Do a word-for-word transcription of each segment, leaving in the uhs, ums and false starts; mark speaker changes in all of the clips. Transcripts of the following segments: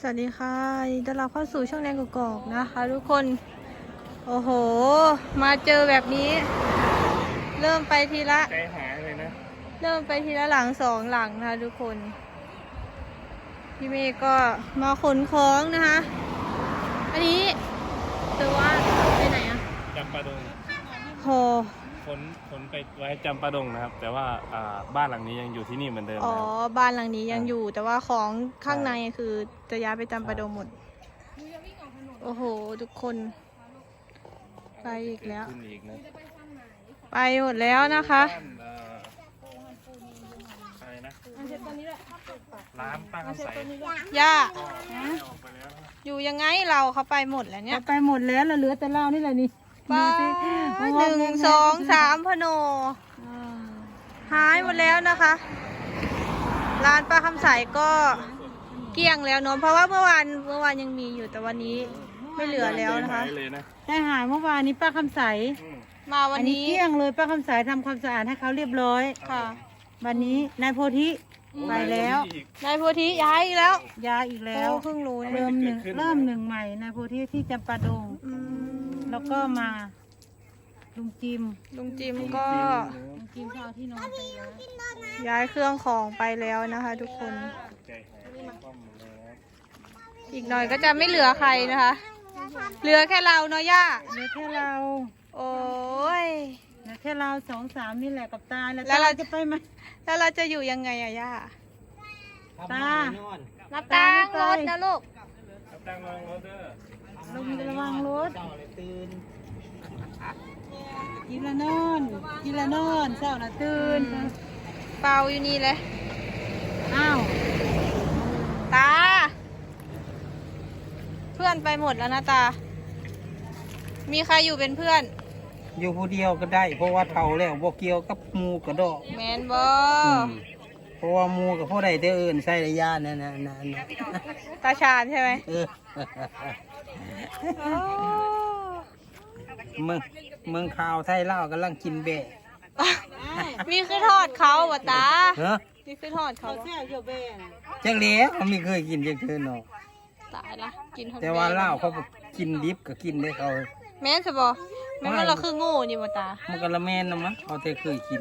Speaker 1: สวัสดีค่ะยินดีต้อนรับเข้าสู่ช่องแนงกอกๆนะคะทุกคนโอ้โหมาเจอแบบนี้เริ่มไปทีละ
Speaker 2: ใจหายเลยนะ
Speaker 1: เริ่มไปทีละหลังสองหลังนะคะทุกคนพี่เมย์ก็มาขนของนะคะอันนี้เธอว่าไปไหนอะ
Speaker 2: จำปาดง
Speaker 1: โห
Speaker 2: ขนขนไปไว้จำปาดงนะครับแต่ว่าอ่าบ้านหลังนี้ยังอยู่ที่นี่เหมือนเดิม
Speaker 1: อ๋อ
Speaker 2: นะครับ
Speaker 1: บ้านหลังนี้ยังอยู่แต่ว่าของข้างในคือจะย้ายไปจำปาดงหมดโอ้โหทุกคนไปอีกแล้ว
Speaker 2: ขึ้นอีกนะ
Speaker 1: ไปหมดแล้วนะคะ
Speaker 2: บ้านเอ่อใครนะร้านป้าคำใส
Speaker 1: ย่า
Speaker 2: ก็ออกไปแล้วนะ
Speaker 1: อยู่ยังไงเราเขาไปหมดแล้วเนี่ย
Speaker 3: ไปหมดแล้วเราเหลือแต่เรานี่แหละนี่
Speaker 1: ป้า
Speaker 3: ดูสิ
Speaker 1: หนึ่งสองสามพโนหายหมดแล้วนะคะร้านป้าคำใสก็เกลี้ยงแล้วเนาะเพราะว่าเมื่อวานเมื่อวานยังมีอยู่แต่วันนี้ไม่เหลือแล้วนะคะ
Speaker 2: ใจหายเลยนะ
Speaker 3: ได้หายเมื่อวานนี้ป้าคำใส
Speaker 2: อืม
Speaker 1: มาวั
Speaker 3: อั
Speaker 1: น
Speaker 3: นนี้
Speaker 1: นี้
Speaker 3: เกลี้ยงเลยป้าคำใสทำความสะอาดให้เขาเรียบร้อย
Speaker 1: ค่ะ
Speaker 3: วันนี้นายโพธิไปแล้ว
Speaker 2: อีก
Speaker 1: นายโพธิย้ายอีกแล้ว
Speaker 3: ยาอีกแล้ว
Speaker 1: โอ้เพิ่งรู้นะ
Speaker 3: เริ่มหนึ่ง
Speaker 2: เกิดขึ้น
Speaker 3: เริ่มหนึ่งใหม่นายโพธิที่จำปาดง
Speaker 1: อืม
Speaker 3: แล้วก็มาลุงจิม
Speaker 1: ลุงจิมก็
Speaker 3: ลุงจิมเขาเอาที่นอนไปแล้ว
Speaker 1: ย้ายเครื่องของไปแล้วนะคะ ทุกคน
Speaker 2: ใจหายคว่ำหมดเลยนะ
Speaker 1: อีกหน่อยก็จะไม่เหลือใครนะคะ เหลือแค่เราเนาะย่า
Speaker 3: เหลือแค่เรา
Speaker 1: โอ้ย
Speaker 3: เหลือแค่เราสองสามนี่แหละกับตาแล้ว
Speaker 1: แล้วเรา
Speaker 3: ตาจะไปไหม
Speaker 1: แล้วเราจะอยู่ยังไงอะย่า
Speaker 3: ตา
Speaker 1: นับตังรถนะลูก
Speaker 2: ครับตั้งรองรถเด้อ
Speaker 3: ลงระวังรถกินละนอนกินละนอนเช้าละตื่น
Speaker 1: เปล่าอยู่นี่เลย
Speaker 3: อ้าว
Speaker 1: ตา เพื่อนไปหมดแล้วนะตา มีใครอยู่เป็นเพื่อน
Speaker 4: อยู่ผู้เดียวก็ได้ เพราะว่าเท่าแล้วบ่เกี่ยวกับหมูกระดอก
Speaker 1: แมนบอ
Speaker 4: มเพราะว่าหมูกับผู้ใดเด้ออื่นใส่ระยะนั่นน่ะนั่นน่ะ
Speaker 1: ตาชาญใช่ไหม
Speaker 4: เออเมืองเมืองข่าวไทยเล่าวกำลังกินแบะ
Speaker 1: มีคือทอดเขาวะตา
Speaker 4: เฮ้อ
Speaker 1: มีคือทอดเขา
Speaker 3: เขา
Speaker 1: วะ
Speaker 3: แซ่บเกี่ยวแบ่นะ
Speaker 4: จังเหลียเขาไม่เคยกินจังเทื่อเนาะ
Speaker 1: ตายละกินทอด
Speaker 4: แต่ว่าเล่าวเขาบ่กินดิบก็กินได้เขา
Speaker 1: แม่นสบอแม่นว่าเราคือโง่นี่มาตา
Speaker 4: มันก็ละแม่นนะมั้งเขาแต่เคยกิน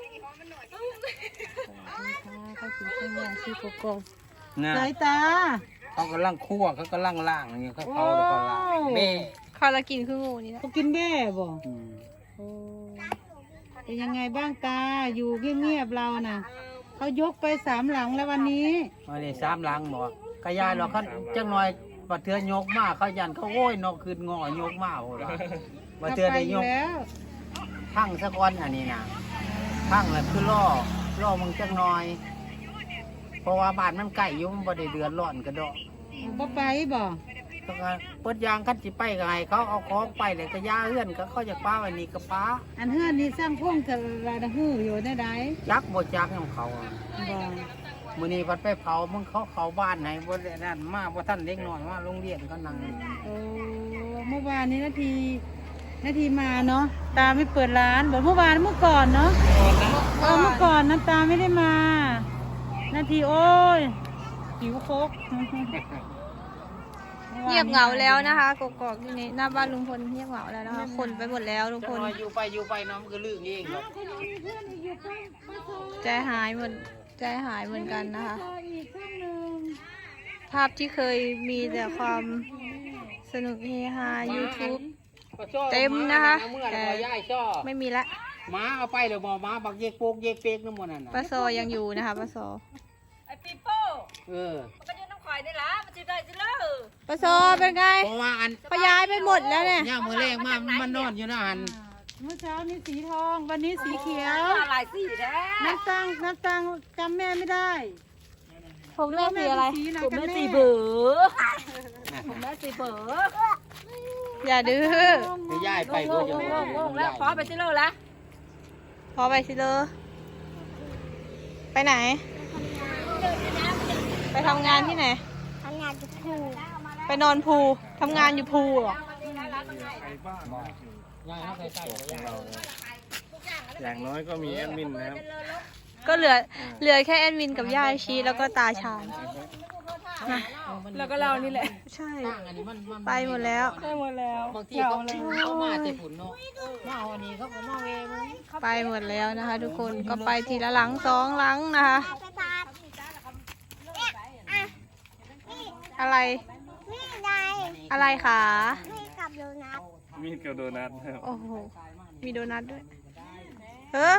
Speaker 3: เขากินข้าวเหนียวซีโกโก้
Speaker 4: นะ
Speaker 3: สายตา
Speaker 4: เขากำลังคั่วเขากำลังล่างอย่างเงี้ยเขาเผาแล้วก็ล่างแบะ
Speaker 1: เขาละกินคือโง่นี่นะ
Speaker 3: เขากินแบ่บ่
Speaker 4: อืม
Speaker 3: โอ้เป็นยังไงบ้างตาอยู่เงียบๆเราน่ะเขายกไปสามหลังแล้ววันนี้
Speaker 4: มาเลยสามหลังบอกกระยายเราเขาจังหน่อยบัดเทือยกมากเขายันเขาโอ้ยนกคืนงอยกมากโหละบัดเทือได้ยก
Speaker 3: แล้ว
Speaker 4: ทั้งสะก้อนอันนี้นะทั้งแล้วคือล่อล่อมึงจังหน่อย เพราะว่าบ้านมันใกล้อยู่มันบ่ได้เดือดร้อนกระดอก
Speaker 3: บ่ไปบ่
Speaker 4: ต้องการเปิดยางคันสิไปก็ให้เขาเอาของไปเลยก็ย่าเอื้อนก็เขาจะป้าไว้นี่ก็ป้า
Speaker 3: อันเฮือนนี่สร้างพุ่งกับลาดหูอยู่ได้ได
Speaker 4: จักบ่จักของเขาอะ
Speaker 3: บ่
Speaker 4: มื้อนี้พัดไปเผามึงเขาเขาบ้านไหนบ่ได้นั่นมาบ่ทันเด็กน้อยมาโรงเรียนก็นั่ง
Speaker 3: โอ้เมื่อวานนี้นาทีนาทีมาเนาะตาไม่เปิดร้านแบบเมื่อวานเมื่อก่อนเนาะเออเมื่อก่อนนะตาไม่ได้มา นาทีโอ้ยหิวโคก
Speaker 1: เงียบเหงาแล้วนะคะกกอกที่นี่หน้าบ้านลุงพลเงียบเหงาแล้วนะคะคนไปหมดแล้วทุก
Speaker 4: จั
Speaker 1: ค
Speaker 4: ง
Speaker 1: น
Speaker 4: หน่อยอยู่ไปอยู่ไปเน้องก็ลืมเองหรอก
Speaker 1: ใจหายหมดใจหายเหมือนกันนะคะ
Speaker 3: อีกครั้งหนึ่ง
Speaker 1: ภาพที่เคยมีแต่ความสนุกเฮฮา YouTube เต็มนะคะแต่ไม่มีละ
Speaker 4: หมาเอาไปเดี๋ยวหมอหมาบักเยกโปกเยกเปกน้ำมันนั่นน่ะ
Speaker 1: ปลาโซยังอยู่นะคะปลาโซ
Speaker 5: ไอ้ปีโป้
Speaker 4: เออ
Speaker 5: มันก็ยืนน้ำข่อยได้ละมันจะได้สิเล่อ
Speaker 1: ปลาโซเป็นไง
Speaker 4: เพราะว่าอัน
Speaker 1: เขาย้ายไปหมดแล้วเนี่ย
Speaker 4: ย่างมือแรงมากมันนอนอยู่นะอัน
Speaker 3: เมื่อเช้านี้สีทองวันนี้สีเขียว
Speaker 5: หลายสีแท้
Speaker 3: น้ำตังน้ำตังจำแม่ไม่ได้
Speaker 1: ผมเล่นสีอะไร
Speaker 3: สีไหน
Speaker 5: ผม
Speaker 3: กัน
Speaker 5: แม่
Speaker 3: แน่
Speaker 5: สีเบือผมแม่สีเบือ
Speaker 1: อย่าดื้อ
Speaker 4: ไปย้ายไป
Speaker 5: โล
Speaker 4: เพื่อก จะ
Speaker 5: โลกโลกแล้วขอไปสิเล่อละ
Speaker 1: พอไปสิเลยไปไหน ไปทำงานที่ไหน
Speaker 6: ทำงานที่ภู
Speaker 1: ไปนอนพูทำงานอยู่พูเหรอ
Speaker 4: ย้ายเข้าไปใกล้ๆย้าย
Speaker 2: อย่างน้อยก็มีแอดมินนะครับ
Speaker 1: ก็เหลือเหลือแค่แอดมินกับย่าชีแล้วก็ตาชาญนะ
Speaker 3: แล้วก็เรานี่แหละ
Speaker 1: ใช่
Speaker 4: ตั้งอันนี้มันมัน
Speaker 1: ไปหมดแล้ว
Speaker 3: ได้หมดแล้ว
Speaker 4: บางทีเขาเขามาแต่ฝุ่นเนาะมาเอาอันนี้เขาก็มาเวมึง
Speaker 1: ไปหมดแล้วนะคะ ทุกคนก็ไปทีละหลังสองหลังนะคะ อะไร อะไรคะ
Speaker 2: มีดกับโดนัทครับ
Speaker 1: โอ้โห มีโดนัทด้วย เออ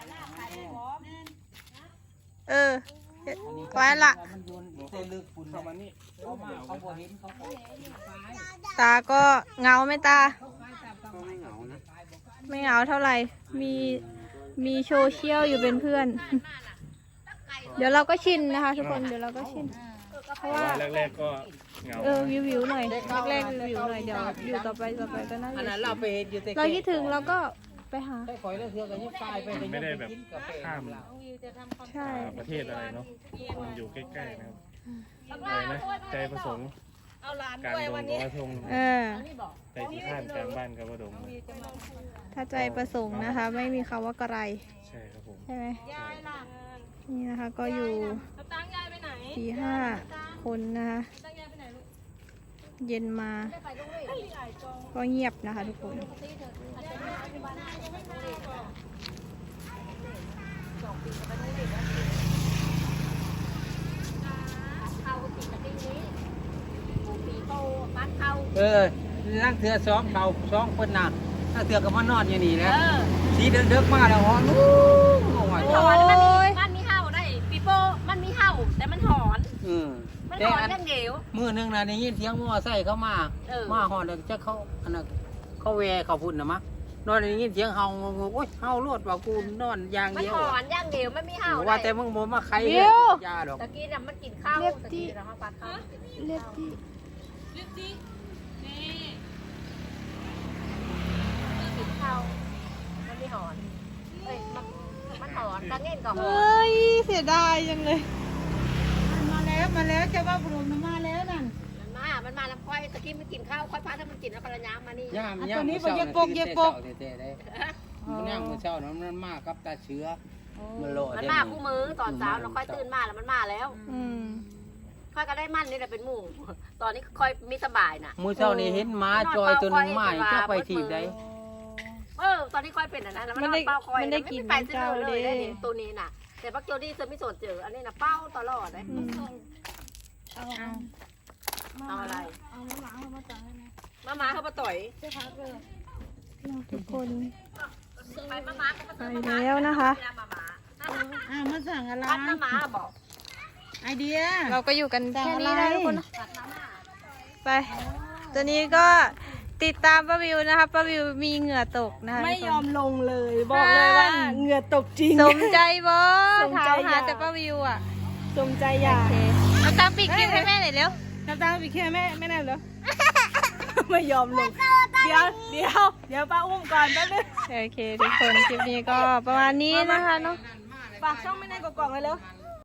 Speaker 1: เออไว้ละ
Speaker 4: มันโยนเตลึกฝุ่น
Speaker 2: เข้ามานี่
Speaker 4: เขามาเขาบ่เห็นเขาก็
Speaker 1: ตาก็เหงาไหมตา
Speaker 4: ก็ไม่เหงานะ
Speaker 1: ไม่เหงาเท่าไหร่ มี มีโซเชียลอยู่เป็นเพื่อน เดี๋ยวเราก็ชินนะคะ ทุกคน เดี๋ยวเราก็ชิน เพราะว่า
Speaker 2: แรกๆก็เหงา
Speaker 1: เออวิววิวๆหน่อยแรกๆวิวๆหน่อย เดี๋ยวอยู่ต่อไปต่อไปก็น่า
Speaker 4: อันนั้น
Speaker 1: จะ
Speaker 4: เราไปเห็นอยู่แต่
Speaker 1: เราคิดถึงเราก็ไปหา
Speaker 4: ได้ข่อยแล้วเทือกันยังตายไป
Speaker 2: ไม่ได้แบบข้าม
Speaker 1: ใช่
Speaker 2: ประเทศอะไรเนาะมันอยู่ใกล้ๆนะครับอะไรนะใจประสงค์การดงกระทง
Speaker 1: เออ
Speaker 2: ใจที่ข้านกลางบ้านกับกระดง
Speaker 1: ถ้าใจประสงค์นะคะ ไม่มีคำว่ากระไร
Speaker 2: ใช่ครับผม
Speaker 1: ใช่ไหมนี่นะคะก็อยู่สี่ห้าคนนะคะเย็นมา ก็เงียบนะคะทุกคน
Speaker 4: เออนั่งเทือสองเบาสองคนน่ะนั่งเทือก็มานอนอยู่นี่แหละสีเดือดๆมาแล้วฮอนอู้โอ้ย
Speaker 1: โอ้ย
Speaker 5: มันมีเห่าได้ปีโป้มันมีเห่าแต่มันหอน
Speaker 4: อืม
Speaker 5: มัน
Speaker 4: แต่
Speaker 5: หอน
Speaker 4: อัน
Speaker 5: เรื่องเดียว
Speaker 4: มือหนึงน่ะได้ยินเสียงมอไซค์เข้ามา
Speaker 5: เออ
Speaker 4: มาฮอนแล้วจะเขาอันน่ะเขาแวเขาพุ่นน่ะมะนอนได้ยินเสียงเฮาโอ้ยเฮาโลดว่ากูนอนอย่าง
Speaker 5: มัน
Speaker 4: เดียว
Speaker 5: หอนอย่างเดียวมันมีเห่า
Speaker 4: ว่า
Speaker 5: ได้
Speaker 4: แต่มึงบ่มาใคร
Speaker 1: วิว
Speaker 4: ยาดอก
Speaker 5: ตะกี้น่ะมันกินข้าว
Speaker 1: เรียบ
Speaker 5: ตะ
Speaker 1: ที่
Speaker 5: กี้น่ะเขาปัดข้าว
Speaker 1: เรียบที่
Speaker 5: กินข้าวมันมีหอนเอ้ยมันมันหอนดังเงี้ยก็ห
Speaker 1: เฮ
Speaker 5: อน้
Speaker 1: ยเสียดายจังเลย
Speaker 3: มาแล้วมาแล้วเจ้าว่าบุรุษมาแล้วนั่น
Speaker 5: มันมา มันมาแล้วค่อยตะกี้มันกินข้าวค่อยพาถ้ามันกินแล้วภรรยามานี่
Speaker 4: ย่าม
Speaker 3: อัน
Speaker 4: ย่า
Speaker 3: ตัว
Speaker 4: ม
Speaker 3: นี้
Speaker 4: มื้อ
Speaker 3: บ่
Speaker 4: เช้า
Speaker 3: เย็บปกเย็บปก
Speaker 4: เตะๆได้มันย่างมื้อเช้านั้นมันมากับตาเชื้อมันโลด
Speaker 5: มันมาคู่มือตอนเช้าเราค่อยตื่นมาแล้วมันมาแล้ว
Speaker 1: อืม
Speaker 5: ค่อยก็ได้มั่นนี่แหละเป็นหมู่ ตอนนี้ค่อยมีสบายน่ะ
Speaker 4: มื้อเช้านี่เห็นหมาจอยตัวหนึงมาจะไปทีบได้
Speaker 5: เออ ตอนนี้ค่อยเป็นอันนั้นแล้วมัน
Speaker 1: มัน
Speaker 5: นอ
Speaker 1: ได้
Speaker 5: นเป้าค่อย
Speaker 1: มันได้กิน
Speaker 5: ไปซื้อเลย
Speaker 1: เจ้า
Speaker 5: ได้
Speaker 1: เด้
Speaker 5: นี่ตัวนี้น่ะ แต่พักโจดี้เธอไม่สนเจอ อันนี้น่ะเป้าตลอดเลย
Speaker 1: อืม
Speaker 5: เอาอะไร เอามาหมาเขามาต่อยมาหมาเขามาต่อย
Speaker 1: ทุกคน
Speaker 5: ไปมาหมาเขามา
Speaker 1: ไป
Speaker 5: ต่อย
Speaker 1: แล้วนะคะ
Speaker 5: มาหมา
Speaker 3: อ่ามาสั่งอะไร
Speaker 5: พัดมาหมาบอก
Speaker 3: ไอเดีย
Speaker 1: เราก็อยู่กันแค่นี้นะทุกคนนะ
Speaker 5: พัดมาหมา
Speaker 1: ไป ตัวนี้ก็ติดตามป้าวิวนะคะป้าวิวมีเหงื่อตกนะคะ
Speaker 3: ไม่ยอม
Speaker 1: ทุก
Speaker 3: ลงเลย บอกเลยว่าเหงื่อตกจริง
Speaker 1: คนสมใจบอ
Speaker 3: สมใจ
Speaker 1: ถามหา
Speaker 3: อยาก
Speaker 1: แต่ป้าวิวอ่ะ
Speaker 3: สมใจอยาก
Speaker 1: โอเคเอาตามปิดคลิปให้แม่หน่อยเร็ว
Speaker 3: น้ำตาปีแค่แม่ไม่แน่เหรอ ไม่ยอมลง เดี๋ยวเดี๋ยวเดี๋ยวป้าอุ้มก่อนแป๊บนึง
Speaker 1: โอเคทุกคนคลิปนี้ก็ประมาณนี้นะคะเนาะ
Speaker 3: ฝากช่องไม่แน่กล่องๆเลยเร็ว
Speaker 4: ม